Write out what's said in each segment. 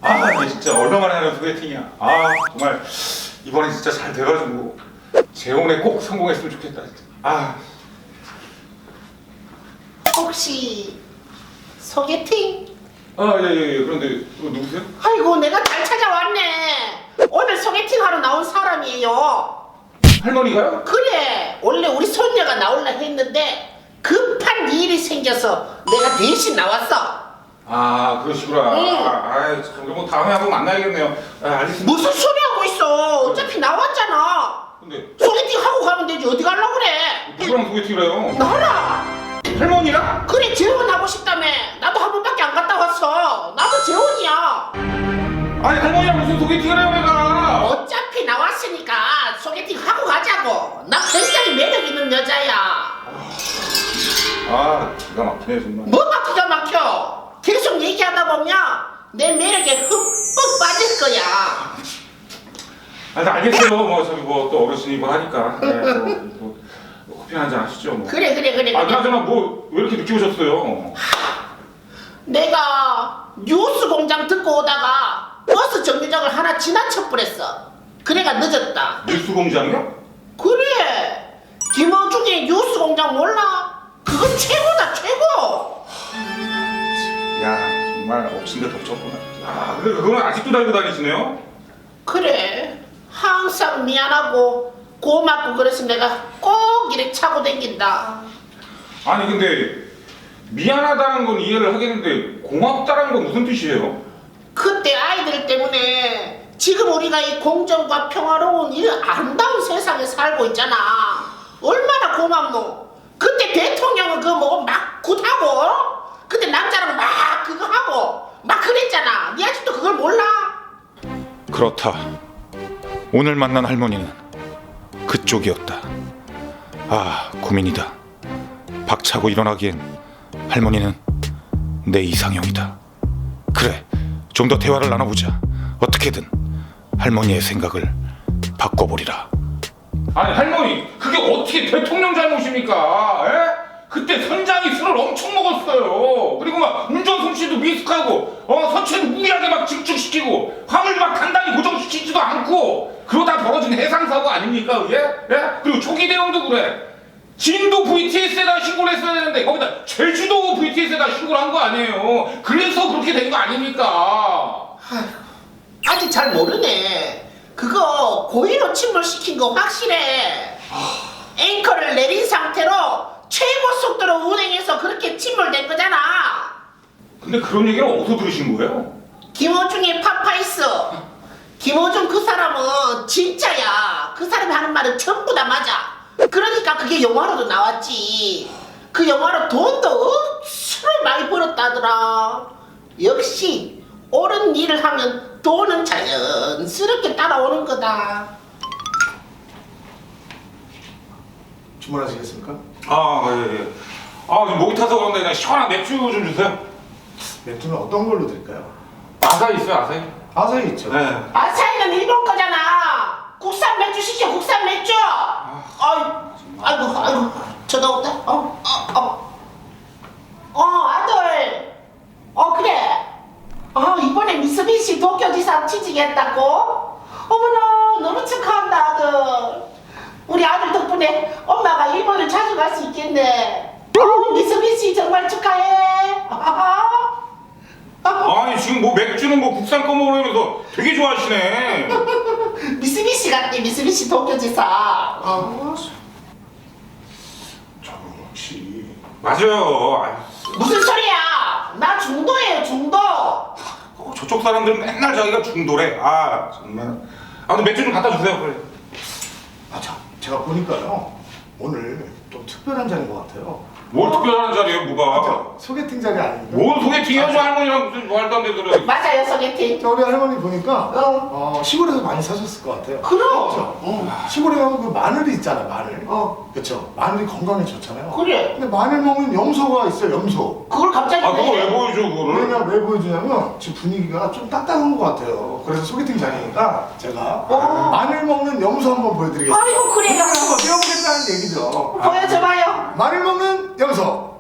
아 이게 진짜 얼마만에 하는 소개팅이야. 아 정말 이번에 진짜 잘 돼가지고 재혼에 꼭 성공했으면 좋겠다 진짜. 아 혹시 소개팅? 예예예. 그런데 누구세요? 아이고 내가 잘 찾아왔네. 오늘 소개팅 하러 나온 사람이에요. 할머니가요? 그래 원래 우리 손녀가 나올라 했는데 급한 일이 생겨서 내가 대신 나왔어. 아 그러시구나. 응. 그럼 뭐 다음에 한번 만나야겠네요. 알겠습니다. 무슨 소리 하고 있어. 어차피 나왔잖아. 근데 소개팅 하고 가면 되지 어디 가려고 그래. 누구랑 소개팅을 해요? 나라. 할머니랑? 그래 재혼하고 싶다며. 나도 한 번밖에 안 갔다 왔어. 나도 재혼이야. 아니 할머니랑 무슨 소개팅을 해요 내가? 어차피 나왔으니까 소개팅 하고 가자고. 나 굉장히 매력 있는 여자야. 아 기가 막히네 정말. 뭐가 기가 막혀. 계속 얘기하다 보면 내 매력에 흠뻑 빠질 거야. 알겠어요. 뭐 저기 뭐 또 어르신이 뭐 하니까. 네, 뭐 커피 한잔 하시죠 뭐. 그래. 그나저나 뭐 왜 이렇게 늦게 오셨어요? 내가 뉴스 공장 듣고 오다가 버스 정류장을 하나 지나쳐 버렸어. 그래가 늦었다. 뉴스 공장이요? 그래 김어중의 뉴스 공장 몰라? 그건 최고다 최고. 야 정말 엎친 데 덮쳤구나. 아 근데 그건 아직도 달고 다니시네요? 그래 항상 미안하고 고맙고 그래서 내가 꼭 이렇게 차고 댕긴다. 아니 근데 미안하다는 건 이해를 하겠는데 고맙다는 건 무슨 뜻이에요? 그때 아이들 때문에 지금 우리가 이 공정과 평화로운 이 아름다운 세상에 살고 있잖아. 얼마나 고맙노. 그때 대통령은 그거 뭐 막 굿하고 그때 남자랑 막 그거 하고 막 그랬잖아. 니 아직도 그걸 몰라? 그렇다. 오늘 만난 할머니는 그쪽이었다. 아 고민이다. 박차고 일어나기엔 할머니는 내 이상형이다. 그래 좀 더 대화를 나눠보자. 어떻게든 할머니의 생각을 바꿔보리라. 아니 할머니 그게 어떻게 대통령 잘못입니까? 에? 그때 선장이 술을 엄청 먹었어요. 그리고 막 운전 솜씨도 미숙하고 선체도 무리하게 막 집중시키고 화물도 막 단단히 고정시키지도 않고 그러다 벌어진 해상사고 아닙니까 그게? 예? 그리고 초기 대응도 그래. 진도 VTS에다 신고를 했어야 되는데 거기다 제주도 VTS에다 신고를 한 거 아니에요. 그래서 그렇게 된 거 아닙니까? 아직 잘 모르네. 그거 고의로 침몰시킨 거 확실해. 앵커를 내린 상태로 최고 속도로 운행해서 그렇게 침몰된 거잖아. 근데 그런 얘기를 어디서 들으신 거예요? 김어중의 파파이스. 김어중 그 사람은 진짜야. 그 사람이 하는 말은 전부 다 맞아. 그러니까 그게 영화로도 나왔지. 그 영화로 돈도 억수로 많이 벌었다더라. 역시 옳은 일을 하면 돈은 자연스럽게 따라오는 거다. 주문하시겠습니까? 예. 지금 목이 타서 그런데 그냥 시원한 맥주 좀 주세요. 맥주는 어떤 걸로 드릴까요? 아사히 있어요, 아사히. 아사히 있죠. 네. 아사히는 일본 거잖아. 국산 맥주 시켜 국산 맥주. 아이고 전화 온다. 아들. 그래. 이번에 미쓰비시 도쿄지사 취직했다고? 어머나 너무 축하한다 아들. 우리 아들 덕분에 엄마가 일본을 자주 갈 수 있겠네. 미쓰비시 정말 축하해. 아니 지금 뭐 맥주는 뭐 국산 거 먹으면서 되게 좋아하시네. 미쓰비시 같네. 미쓰비시 도쿄지사. 저는 혹시 맞아요. 무슨 소리야? 나 중도예요 중도. 저쪽 사람들은 맨날 자기가 중도래. 정말. 근데 맥주 좀 갖다 주세요, 빨리. 제가 보니까요 오늘 좀 특별한 자리인 것 같아요. 뭘 특별한 자리예요, 뭐가? 그죠? 소개팅 자리 아닙니까? 뭔 소개팅이야, 저 할머니랑 무슨 말도 안 되는 소리. 맞아요 소개팅. 우리 할머니 보니까 시골에서 많이 사셨을 것 같아요. 그럼. 그렇죠? 시골에 가면 그 마늘이 있잖아 마늘. 그렇죠? 마늘이 건강에 좋잖아요. 그래. 근데 마늘 먹는 염소가 있어요 염소. 그걸 갑자기 그거 왜 보여줘, 그거를? 왜냐 왜 보여주냐면 지금 분위기가 좀 딱딱한 것 같아요. 그래서 소개팅 자리니까 제가 마늘 먹는 염소 한번 보여드리겠습니다. 아이고 그래요. 한번 떼어보겠다는 얘기죠. 보여줘봐요. 마늘 먹는 염소.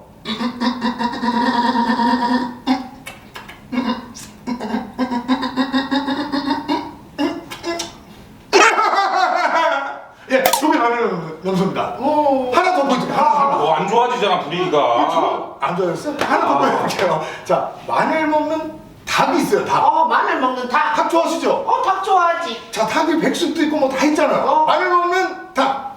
안 좋아졌어요? 하나 더 보여드릴게요. 자, 마늘 먹는 닭이 있어요. 닭. 마늘 먹는 닭. 닭 좋아하시죠? 닭 좋아하지. 자, 닭이 백숙도 있고 뭐 다 있잖아요. 마늘 먹는 닭.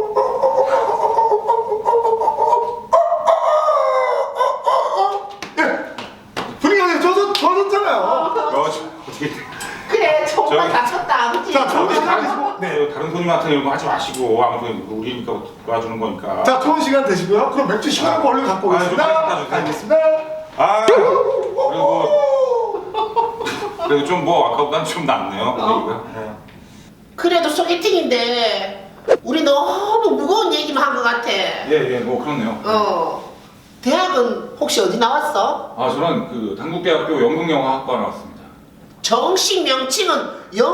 예. 분위기가 좋아졌잖아요. 어떻게 그래, 정말 저기- 다쳤다, 그치? 자, 좋은 어디 시간 다른 되시고. 네. 다른 손님한테 이런 거 하지 마시고 아무튼 우리니까 도와주는 거니까. 자, 좋은 시간 되시고요. 그럼 맥주 시원한 얼른 갖고 좀 오겠습니다. 갖다 주세요. 알겠습니다. 그리고 좀 뭐 아까보다는 좀 낫네요. 분위기가. 네. 그래도 소개팅인데 우리 너무 무거운 얘기만 한 것 같아. 예, 뭐 그렇네요. 대학은 혹시 어디 나왔어? 저는 그 당국대학교 연극영화학과 나왔습니다. 정식 명칭은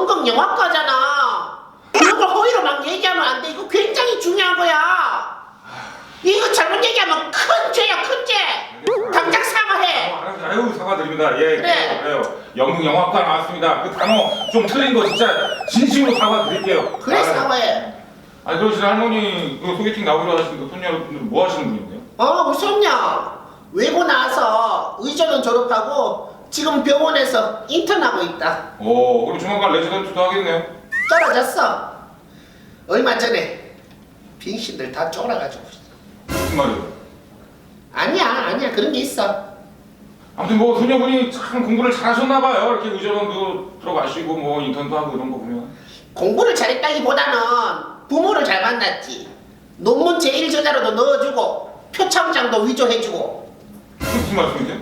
연극영화과잖아. 그런 걸 허위로 막 얘기하면 안 돼. 이거 굉장히 중요한 거야. 이거 잘못 얘기하면 큰 죄야, 큰 죄. 당장 사과해. 아유 사과드립니다. 예, 그래. 그래요. 연극영화학과 나왔습니다. 그 단어 좀 틀린 거 진짜 진심으로 사과드릴게요. 그래, 사과해. 아니 그러시는 할머니 그 소개팅 나오기로 하신 그 손녀분들은 뭐 하시는 분인데요? 무섭냐? 외고 나와서 의전은 졸업하고 지금 병원에서 인턴하고 있다. 그럼 조만간 레지던트도 하겠네요. 떨어졌어. 얼마 전에 빙신들 다 쫄아가지고. 무슨 말이에요? 아니야 그런 게 있어. 아무튼 뭐 손녀분이 참 공부를 잘하셨나봐요. 이렇게 의전원도 들어가시고 뭐 인턴도 하고 이런 거 보면. 공부를 잘했다기보다는 부모를 잘 만났지. 논문 제1저자로도 넣어주고 표창장도 위조해주고. 무슨 말씀이세요?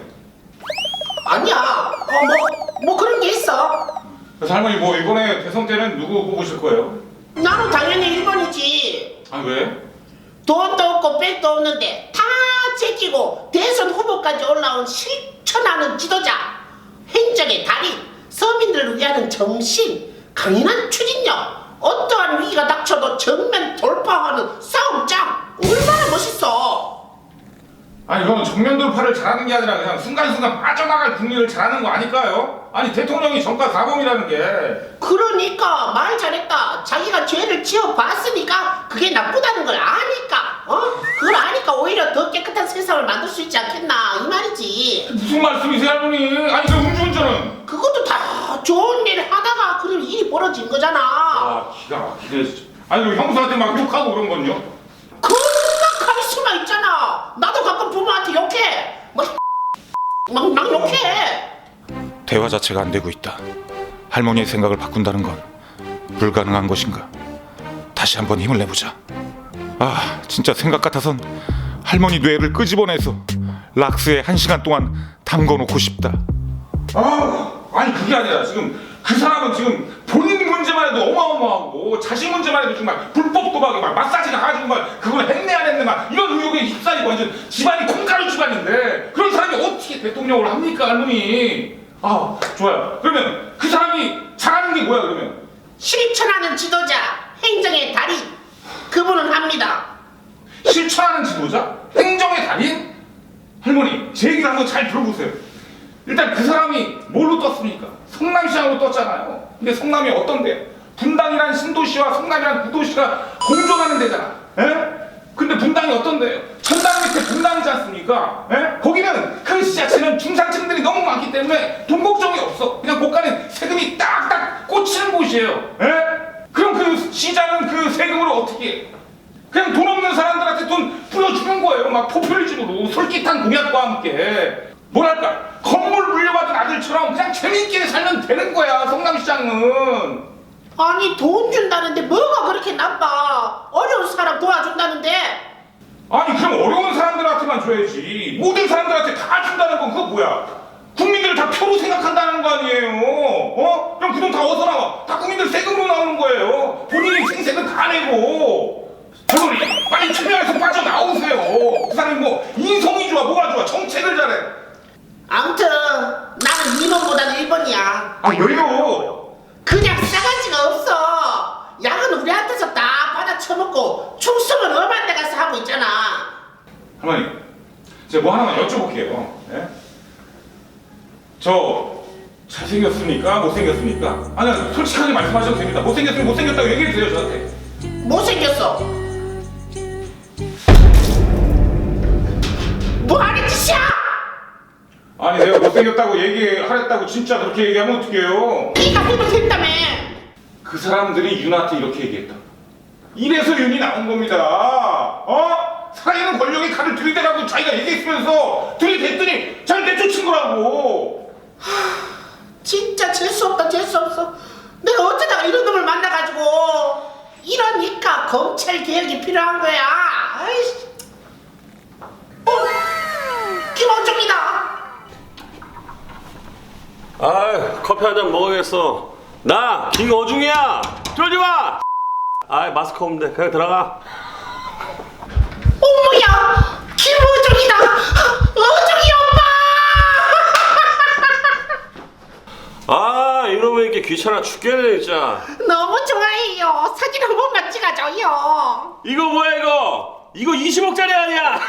아니야. 뭐 그런 게 있어. 그래서 할머니 뭐 이번에 대선 때는 누구 뽑으실 거예요? 나는 당연히 1번이지. 아 왜? 돈도 없고 백도 없는데 다 제끼고 대선 후보까지 올라온 실천하는 지도자, 행정의 달인, 서민들을 위하는 정신, 강인한 추진력, 어떠한 위기가 닥쳐도 정면 돌파하는 싸움장. 얼마나 멋있어. 아니 이건 정면 돌파를 잘하는 게 아니라 그냥 순간순간 빠져나갈 국리를 잘하는 거 아닐까요? 아니 대통령이 정가 사범이라는 게. 그러니까 말 잘했다. 자기가 죄를 지어봤으니까 그게 나쁘다는 걸 아니까. 그걸 아니까 오히려 더 깨끗한 세상을 만들 수 있지 않겠나 이 말이지. 무슨 말씀이세요 할머니? 아니 그 음주운전은? 그것도 다 좋은 일을 하다가 그런 일이 벌어진 거잖아. 아 기가 막히네 진짜. 아니 그 형수한테 막 욕하고 그런 건요? 그런 카리스마 있잖아. 나도 가끔 부모한테 욕해. 막 욕해. 대화 자체가 안 되고 있다. 할머니의 생각을 바꾼다는 건 불가능한 것인가? 다시 한번 힘을 내보자. 진짜 생각 같아선 할머니 뇌를 끄집어내서 락스에 1시간 동안 담궈놓고 싶다. 아니 그게 아니라 지금 그 사람은 지금 본인 문제만 해도 어마어마하고 자신 문제만 해도 정말 불법 도박에 막 마사지가 가지고 막 그걸 했네 안 했네 막 이런 의혹에 휩싸이고 완전 집안이 콩가루 집안인데 그런 사람이 어떻게 대통령을 합니까 할머니? 좋아요. 그러면 그 사람이 잘하는 게 뭐야 그러면? 실천하는 지도자, 행정의 달인. 그분은 합니다. 실천하는 지도자? 행정의 달인? 할머니 제 얘기를 한번 잘 들어보세요. 일단 그 사람이 뭘로 떴습니까? 성남시장으로 떴잖아요. 근데 성남이 어떤데요? 분당이란 신도시와 성남이란 구도시가 공존하는 데잖아. 근데 분당이 어떤데요? 천당 밑에 분당이지 않습니까? 거기는 그 지자체는 중산층들이 너무 많기 때문에 돈 걱정이 없어. 그냥 고가는 세금이 딱딱 꽂히는 곳이에요. 그럼 그 시장은 그 세금으로 어떻게 해? 그냥 돈 없는 사람들한테 돈 뿌려주는 거예요. 막 포퓰리즘으로 솔깃한 공약과 함께. 뭐랄까 건물 물려받은 아들처럼 그냥 재밌게 살면 되는 거야 성남시장은. 아니 돈 준다는데 뭐가 그렇게 나빠. 어려운 사람 도와준다는데. 아니 그럼 어려운 사람들한테만 줘야지 모든 사람들한테 다 준다는 건 그거 뭐야? 국민들을 다 표로 생각한다는 거 아니에요? 그럼 그 돈 다 어디서 나와? 다 국민들 세금으로 나오는 거예요. 본인이 생색은 다 내고. 할머니 빨리 투명에서 빠져나오세요. 그 사람이 뭐 인성이 좋아 뭐가 좋아 정책을 잘해. 아무튼 나는 2번보다는 1번이야. 왜요? 그냥 싸가지가 없어. 약은 우리한테서 다 받아 처먹고 충성은 엄한 데 가서 하고 있잖아. 할머니 제가 뭐 하나만 여쭤볼게요. 저 잘생겼습니까? 못생겼습니까? 아니 솔직하게 말씀하셔도 됩니다. 못생겼으면 못생겼다고 얘기해주세요 저한테. 못생겼어. 뭐 하는 짓이야? 아니 내가 못생겼다고 얘기하랬다고 진짜 그렇게 얘기하면 어떡해요? 네가 해도 된다며. 그 사람들이 윤한테 이렇게 얘기했다. 이래서 윤이 나온 겁니다. 어? 살아있는 권력의 칼을 들이대라고 자기가 얘기했으면서 들이댔더니 잘 내쫓은 거라고. 진짜 재수 없다 재수 없어. 내가 어쩌다가 이런 놈을 만나가지고. 이러니까 검찰 개혁이 필요한 거야. 아이씨. 김원중이다. 아, 커피 한 잔 먹어야겠어. 나 김어중이야. 들어오지 마. 아, 마스크 없는데 그냥 들어가. 어머야, 김어중이다. 어중이 오빠. 아, 이러면 이렇게 귀찮아 죽겠네 진짜. 너무 좋아해요. 사진 한 번만 찍어줘요. 이거 뭐야 이거? 이거 20억짜리 아니야?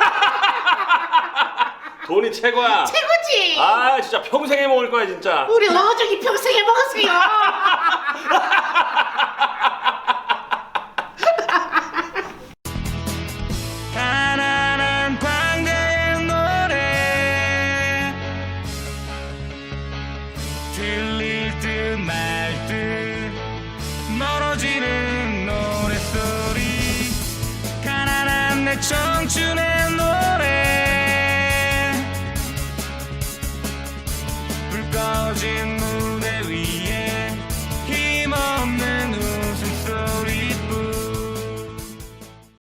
돈이 최고야. 최고지. 아, 진짜 평생 해 먹을 거야 진짜. 우리 어중이 평생 해먹었어요.